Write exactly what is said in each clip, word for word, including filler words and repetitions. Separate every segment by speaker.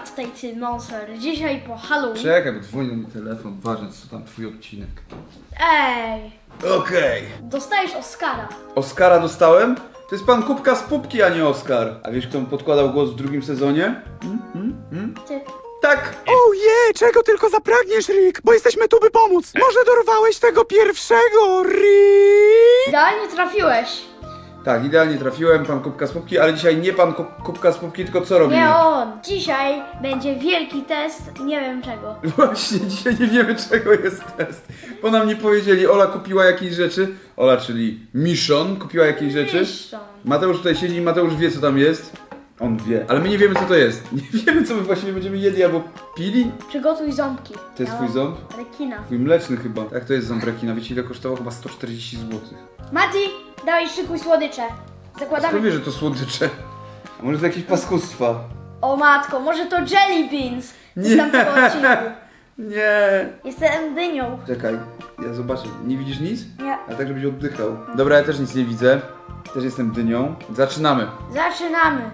Speaker 1: tutaj ty, Monster. Dzisiaj po Halloween.
Speaker 2: Czekaj, bo dzwoni na mój telefon, ważne co tam twój odcinek.
Speaker 1: Ej,
Speaker 2: Okej.
Speaker 1: dostajesz Oscara.
Speaker 2: Oscara dostałem? To jest pan Kubka z Pupki, a nie Oskar. A wiesz, kto mu podkładał głos w drugim sezonie? Hmm? Hmm? Hmm?
Speaker 1: Ty.
Speaker 2: Tak!
Speaker 3: Ojej, czego tylko zapragniesz, Rick, bo jesteśmy tu, by pomóc. Może dorwałeś tego pierwszego, Rick?
Speaker 1: Idealnie trafiłeś.
Speaker 2: Tak, idealnie trafiłem, pan Kubka z Pupki, ale dzisiaj nie pan Ku- Kubka z Pupki, tylko co robimy?
Speaker 1: Nie on. Dzisiaj będzie wielki test, nie wiem czego.
Speaker 2: Właśnie, dzisiaj nie wiemy czego jest test. Bo nam nie powiedzieli, Ola kupiła jakieś rzeczy. Ola, czyli Miszon, kupiła jakieś rzeczy.
Speaker 1: Miszon.
Speaker 2: Mateusz tutaj siedzi i Mateusz wie co tam jest. On wie, ale my nie wiemy co to jest. Nie wiemy co my właściwie będziemy jedli albo pili.
Speaker 1: Przygotuj ząbki.
Speaker 2: To jest twój ząb?
Speaker 1: Rekina.
Speaker 2: Twój mleczny chyba. Tak, to jest ząb rekina. Wiecie ile kosztował? Chyba sto czterdzieści złotych.
Speaker 1: Mati, dawaj szykuj słodycze.
Speaker 2: Skąd
Speaker 1: Zakładamy.
Speaker 2: wie, że to słodycze? A może to jakieś paskustwa?
Speaker 1: O matko, może to Jelly Beans.
Speaker 2: Nie.
Speaker 1: Z tamtego odcinku.
Speaker 2: Nie.
Speaker 1: Jestem dynią.
Speaker 2: Czekaj, ja zobaczę. Nie widzisz nic?
Speaker 1: Nie.
Speaker 2: A tak, żebyś oddychał. Dobra, ja też nic nie widzę. Też jestem dynią. Zaczynamy.
Speaker 1: Zaczynamy.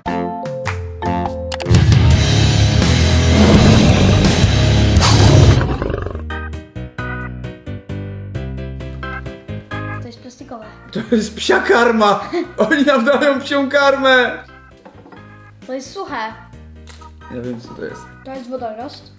Speaker 1: To jest plastikowe.
Speaker 2: To jest psia karma! Oni nam dają psią karmę!
Speaker 1: To jest suche.
Speaker 2: Ja wiem co to jest.
Speaker 1: To jest wodorost.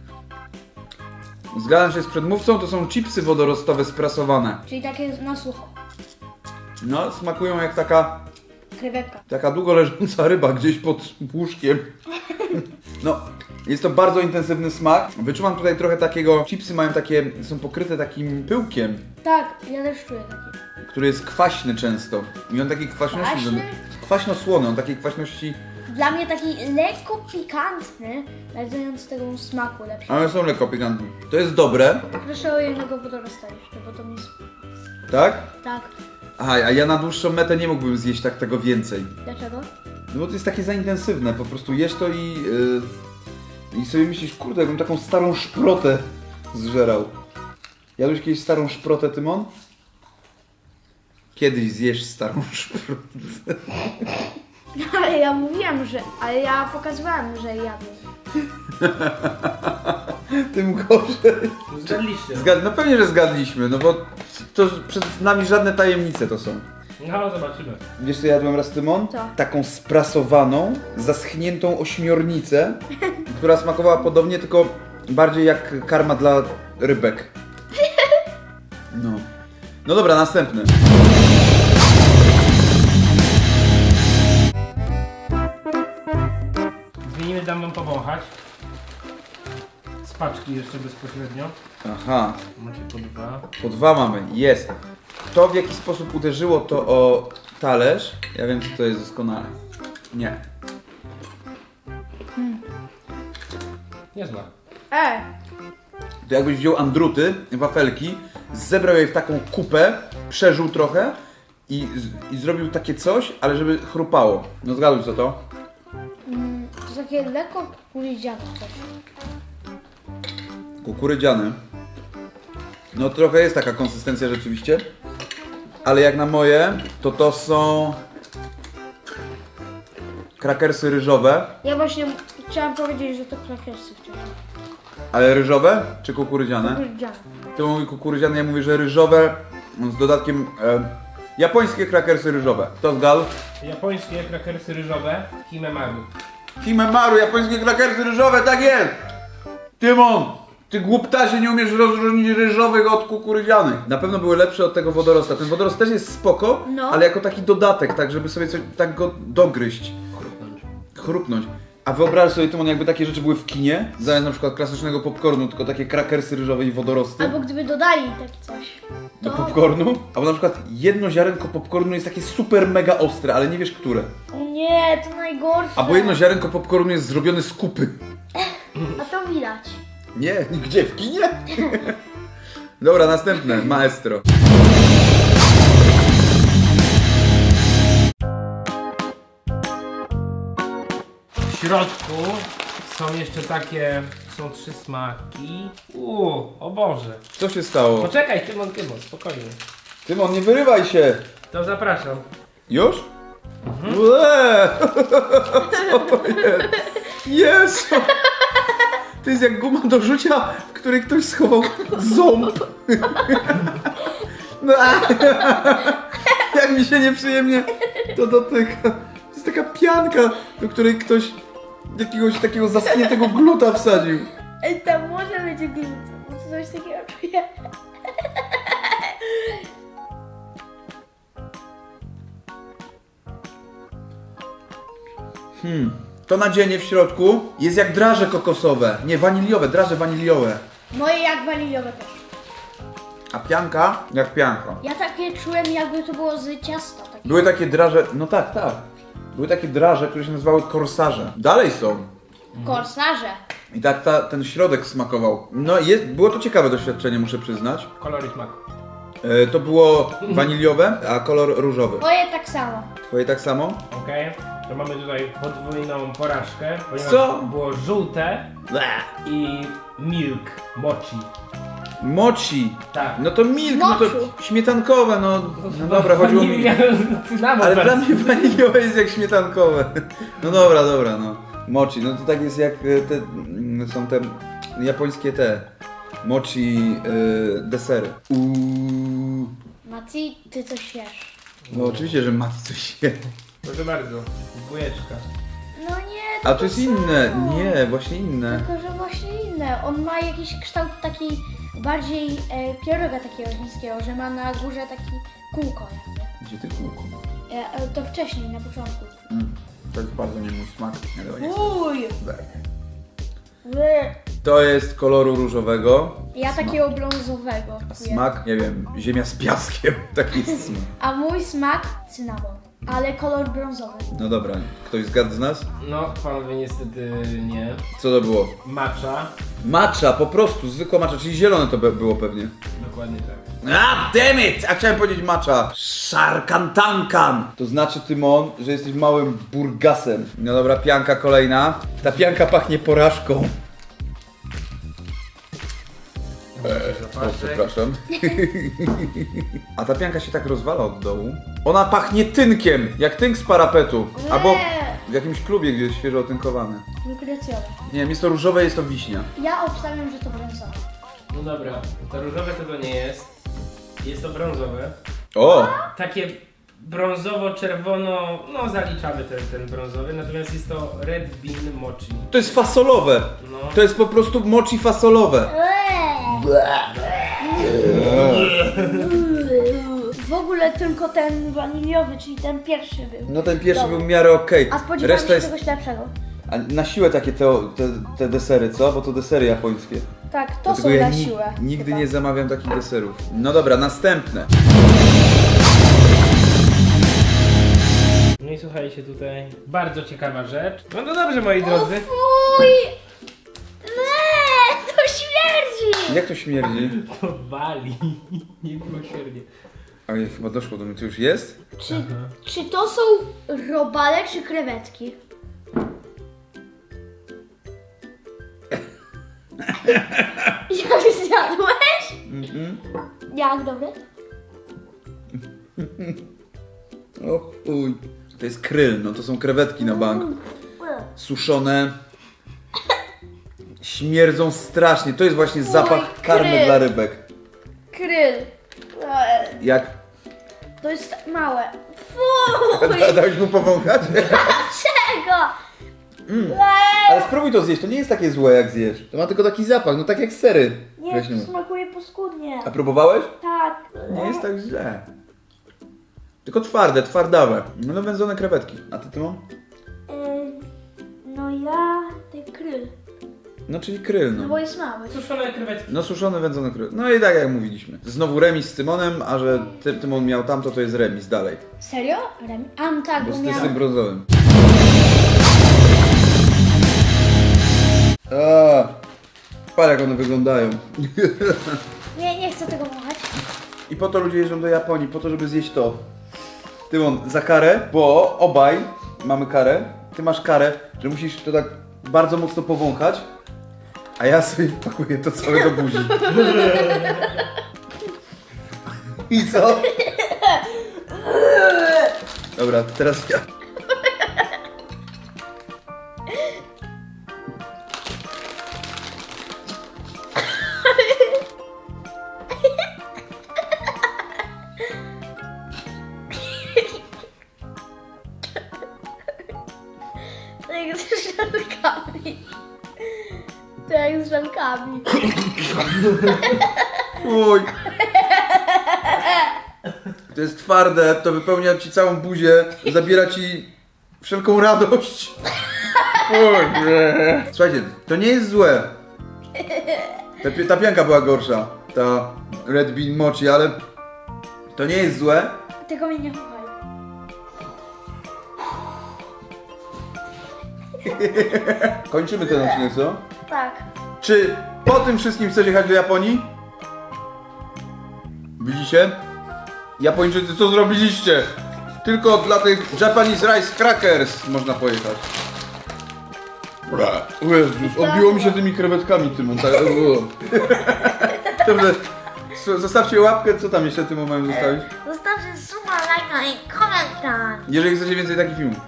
Speaker 2: Zgadzam się z przedmówcą, to są chipsy wodorostowe sprasowane.
Speaker 1: Czyli takie na sucho.
Speaker 2: No, smakują jak taka,
Speaker 1: Krewetka.
Speaker 2: taka długo leżąca ryba gdzieś pod łóżkiem. No, jest to bardzo intensywny smak. Wyczuwam tutaj trochę takiego, chipsy mają takie, są pokryte takim pyłkiem,
Speaker 1: Tak, ja też czuję taki.
Speaker 2: który jest kwaśny często. I on takiej kwaśności...
Speaker 1: Kwaśny?
Speaker 2: Kwaśno-słony, on takiej kwaśności...
Speaker 1: Dla mnie taki lekko pikantny, nadający tego smaku lepszego.
Speaker 2: Ale są lekko pikantne. To jest dobre,
Speaker 1: Proszę o jednego wodorosta jeszcze, bo to mi... sp-
Speaker 2: tak?
Speaker 1: Tak.
Speaker 2: Aha, a ja na dłuższą metę nie mógłbym zjeść tak tego więcej.
Speaker 1: Dlaczego?
Speaker 2: No bo to jest takie za intensywne, po prostu jesz to i... Yy, i sobie myślisz, kurde, jakbym taką starą szprotę zżerał. Jadłeś kiedyś starą szprotę, Tymon? Kiedyś zjesz starą szprotę.
Speaker 1: Ale ja mówiłam, że... Ale ja pokazywałam, że jadłem.
Speaker 2: Tym gorzej.
Speaker 4: Zgadliście.
Speaker 2: Zgad... No pewnie, że zgadliśmy, no bo to przed nami żadne tajemnice to są.
Speaker 4: No, zobaczymy.
Speaker 2: Wiesz co jadłem raz, Tymon?
Speaker 1: Co?
Speaker 2: Taką sprasowaną, zaschniętą ośmiornicę, która smakowała podobnie, tylko bardziej jak karma dla rybek. No. No dobra, następny.
Speaker 4: Zmienimy, dam wam powąchać. Z paczki jeszcze bezpośrednio.
Speaker 2: Aha,
Speaker 4: Macie po dwa.
Speaker 2: po dwa mamy, jest. To w jaki sposób uderzyło to o talerz, ja wiem co to jest doskonale. Nie.
Speaker 4: Niezła.
Speaker 1: E,
Speaker 2: To jakbyś wziął andruty, wafelki, zebrał je w taką kupę, przeżył trochę i, z- i zrobił takie coś, ale żeby chrupało. No zgaduj co to?
Speaker 1: mm, to jest takie lekko kukurydziane coś.
Speaker 2: Kukurydziane. No trochę jest taka konsystencja rzeczywiście, ale jak na moje, to to są krakersy ryżowe,
Speaker 1: Ja właśnie chciałam powiedzieć, że to krakersy wcześniej.
Speaker 2: ale ryżowe czy kukurydziane?
Speaker 1: Kukurydziane.
Speaker 2: Ty mówi kukurydziane, ja mówię, że ryżowe z dodatkiem e, japońskie krakersy ryżowe. To zgadł?
Speaker 4: Japońskie krakersy ryżowe Himemaru.
Speaker 2: Himemaru, japońskie krakersy ryżowe, tak jest! Tymon! Ty głuptasie, nie umiesz rozróżnić ryżowych od kukurydzianych. Na pewno były lepsze od tego wodorosta. Ten wodorost też jest spoko,
Speaker 1: No.
Speaker 2: ale jako taki dodatek, tak żeby sobie coś, tak go dogryźć,
Speaker 4: Chrupnąć.
Speaker 2: chrupnąć. A wyobraź sobie, Tymon, jakby takie rzeczy były w kinie, zamiast na przykład klasycznego popcornu, tylko takie krakersy ryżowe i wodorosty
Speaker 1: Albo gdyby dodali takie coś.
Speaker 2: do
Speaker 1: To...
Speaker 2: popcornu. Albo na przykład jedno ziarenko popcornu jest takie super mega ostre, ale nie wiesz które.
Speaker 1: O nie, to najgorsze.
Speaker 2: Albo jedno ziarenko popcornu jest zrobione z kupy.
Speaker 1: A to widać.
Speaker 2: Nie, gdzie? W kinie? Dobra, następne, maestro.
Speaker 4: W środku są jeszcze takie, są trzy smaki. Uuu, o Boże.
Speaker 2: Co się stało?
Speaker 4: Poczekaj, Tymon, Tymon, spokojnie.
Speaker 2: Tymon, nie wyrywaj się!
Speaker 4: To zapraszam.
Speaker 2: Już? Mhm. Ue! Co to jest? Jezu! To jest jak guma do rzucia, w której ktoś schował ząb. No, jak mi się nieprzyjemnie to dotyka. To jest taka pianka, do której ktoś jakiegoś takiego zaschniętego gluta wsadził.
Speaker 1: Ej, tam może być glut. Coś takiego czuję.
Speaker 2: Hmm. To nadzienie w środku jest jak draże kokosowe. Nie, waniliowe, draże waniliowe.
Speaker 1: Moje jak waniliowe też.
Speaker 2: A pianka jak pianka.
Speaker 1: Ja takie czułem, jakby to było z ciasta. Takie.
Speaker 2: Były takie draże, no tak, tak. Były takie draże, które się nazywały korsarze. Dalej są.
Speaker 1: Korsarze.
Speaker 2: I tak ta, ten środek smakował. No jest, było to ciekawe doświadczenie, muszę przyznać.
Speaker 4: Kolor i smak.
Speaker 2: E, to było waniliowe, a kolor różowy.
Speaker 1: Moje tak samo.
Speaker 2: Twoje tak samo?
Speaker 4: Okej, to mamy tutaj podwójną porażkę, ponieważ
Speaker 2: Co?
Speaker 4: było żółte i milk, mochi.
Speaker 2: Mochi.
Speaker 4: Tak.
Speaker 2: No to milk, no
Speaker 1: Moczu.
Speaker 2: to śmietankowe, no. No dobra, chodziło mi...
Speaker 4: Cynamon
Speaker 2: Ale dla
Speaker 4: wersji.
Speaker 2: mnie waniliowe jest jak śmietankowe. No dobra, dobra, no. Mochi, no to tak jest jak e, te, mm, są te japońskie te mochi e, desery. Uuu.
Speaker 1: Mati, ty coś wiesz.
Speaker 2: No oczywiście, że Mati coś je.
Speaker 4: Proszę bardzo, dwójeczka.
Speaker 1: No nie,
Speaker 2: A to jest
Speaker 1: samo.
Speaker 2: inne, nie, właśnie inne.
Speaker 1: Tylko, że właśnie inne. On ma jakiś kształt taki bardziej e, pieroga takiego chińskiego, że ma na górze taki kółko jakby.
Speaker 2: Gdzie ty kółko?
Speaker 1: E, e, to wcześniej, na początku.
Speaker 2: Mm, to jest bardzo nie mój smak. Nie, dobra, nie.
Speaker 1: Uj!
Speaker 2: Ber.
Speaker 1: Wy.
Speaker 2: To jest koloru różowego.
Speaker 1: Ja
Speaker 2: Smak.
Speaker 1: takiego brązowego.
Speaker 2: A
Speaker 1: czuję.
Speaker 2: smak, nie wiem, ziemia z piaskiem. Taki jest smak.
Speaker 1: A mój smak cynamon, ale kolor brązowy.
Speaker 2: No dobra, ktoś zgadł z nas?
Speaker 4: No, panowie niestety nie.
Speaker 2: Co to było?
Speaker 4: Matcha.
Speaker 2: Matcha, po prostu, zwykła matcha, czyli zielone to be- było pewnie.
Speaker 4: Dokładnie tak.
Speaker 2: A damn it! A chciałem powiedzieć matcha. Szarkantankan! To znaczy, Tymon, że jesteś małym burgasem. No dobra, pianka kolejna. Ta pianka pachnie porażką. O,
Speaker 4: Zapaszek.
Speaker 2: przepraszam. A ta pianka się tak rozwala od dołu. Ona pachnie tynkiem, jak tynk z parapetu. Albo w jakimś klubie, gdzie jest świeżo otynkowane.
Speaker 1: Wykrecjowe.
Speaker 2: Nie wiem, jest to różowe, jest to wiśnia.
Speaker 1: Ja obstawiam, że to brązowe.
Speaker 4: No dobra, to różowe tego nie jest. Jest to brązowe.
Speaker 2: O!
Speaker 4: Takie brązowo-czerwono, no zaliczamy ten, ten brązowy, natomiast jest to red bean mochi.
Speaker 2: To jest fasolowe.
Speaker 4: No.
Speaker 2: To jest po prostu mochi fasolowe.
Speaker 1: W ogóle tylko ten waniliowy, czyli ten pierwszy był.
Speaker 2: No ten pierwszy
Speaker 1: Dobry.
Speaker 2: był w miarę okej.
Speaker 1: A spodziewałam
Speaker 2: Reszta
Speaker 1: się
Speaker 2: jest...
Speaker 1: czegoś lepszego.
Speaker 2: A na siłę takie te, te, te desery, co? Bo to desery japońskie.
Speaker 1: Tak, to
Speaker 2: Dlatego
Speaker 1: są
Speaker 2: ja
Speaker 1: na
Speaker 2: ni-
Speaker 1: siłę.
Speaker 2: nigdy
Speaker 1: chyba.
Speaker 2: nie zamawiam takich deserów. No dobra, następne.
Speaker 4: No i słuchajcie tutaj, bardzo ciekawa rzecz. No to dobrze moi
Speaker 1: O
Speaker 4: drodzy.
Speaker 1: fuj! Nie, to śmierdzi!
Speaker 2: Jak to śmierdzi?
Speaker 4: To wali. Niemiłosiernie.
Speaker 2: Oj, chyba doszło do mnie, to już jest?
Speaker 1: Czy, czy to są robale czy krewetki? Jak zjadłeś?
Speaker 2: Mhm.
Speaker 1: Jak dobre?
Speaker 2: O fuj. To jest kryl, no to są krewetki na bank. Suszone. Śmierdzą strasznie. To jest właśnie zapach karmy
Speaker 1: kryl.
Speaker 2: dla rybek.
Speaker 1: Kryl. Eee,
Speaker 2: Jak...
Speaker 1: To jest małe. Fuj!
Speaker 2: Da, dałeś mu powąchać?
Speaker 1: Dlaczego?
Speaker 2: Mm.
Speaker 1: Eee,
Speaker 2: Ale spróbuj to zjeść, to nie jest takie złe jak zjesz. To ma tylko taki zapach, no tak jak sery.
Speaker 1: Nie,
Speaker 2: Weźmy.
Speaker 1: to smakuje paskudnie.
Speaker 2: A próbowałeś?
Speaker 1: Tak.
Speaker 2: Nie jest tak źle. Tylko twarde, twardawe. No wędzone krewetki. A ty, Tymon?
Speaker 1: Eee, no ja... Ten kryl.
Speaker 2: No czyli kryl,
Speaker 1: No
Speaker 2: no.
Speaker 1: bo jest mały.
Speaker 4: Suszone krewetki.
Speaker 2: No suszone, wędzone kryl. No i tak jak mówiliśmy. Znowu remis z Tymonem, a że ty, Tymon miał tamto, to jest remis dalej.
Speaker 1: Serio? Remi? A no tak,
Speaker 2: Bo
Speaker 1: bo
Speaker 2: z
Speaker 1: miał...
Speaker 2: tym brązowym. A, patrz jak one wyglądają.
Speaker 1: Nie, nie chcę tego wąchać.
Speaker 2: I po to ludzie jeżdżą do Japonii, po to, żeby zjeść to. Tymon, za karę, bo obaj mamy karę. Ty masz karę, że musisz to tak bardzo mocno powąchać, a ja sobie wpakuję to całe do buzi. I co? Dobra, teraz ja.
Speaker 1: żelkami. To jak z żelkami.
Speaker 2: Uj. To jest twarde, to wypełnia ci całą buzię, zabiera ci wszelką radość. Uj, nie. Słuchajcie, to nie jest złe. Ta, pi- ta pianka była gorsza, ta Red Bean Mochi, ale to nie jest złe.
Speaker 1: Tego mnie nie chowaj.
Speaker 2: Kończymy ten odcinek, co?
Speaker 1: Tak.
Speaker 2: Czy po tym wszystkim chcesz jechać do Japonii? Widzicie? Japończycy, co zrobiliście? Tylko dla tych Japanese Rice Crackers można pojechać. O Jezus, odbiło mi się tymi krewetkami, Tymon. Tak, Dobrze, s- zostawcie łapkę, co tam jeszcze Tymon mają zostawić?
Speaker 1: Zostawcie suba, lajka i komentarz.
Speaker 2: Jeżeli chcecie więcej takich filmów.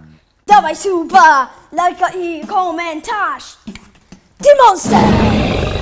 Speaker 5: Dawaj suba, lajka i komentarz. Ty monster!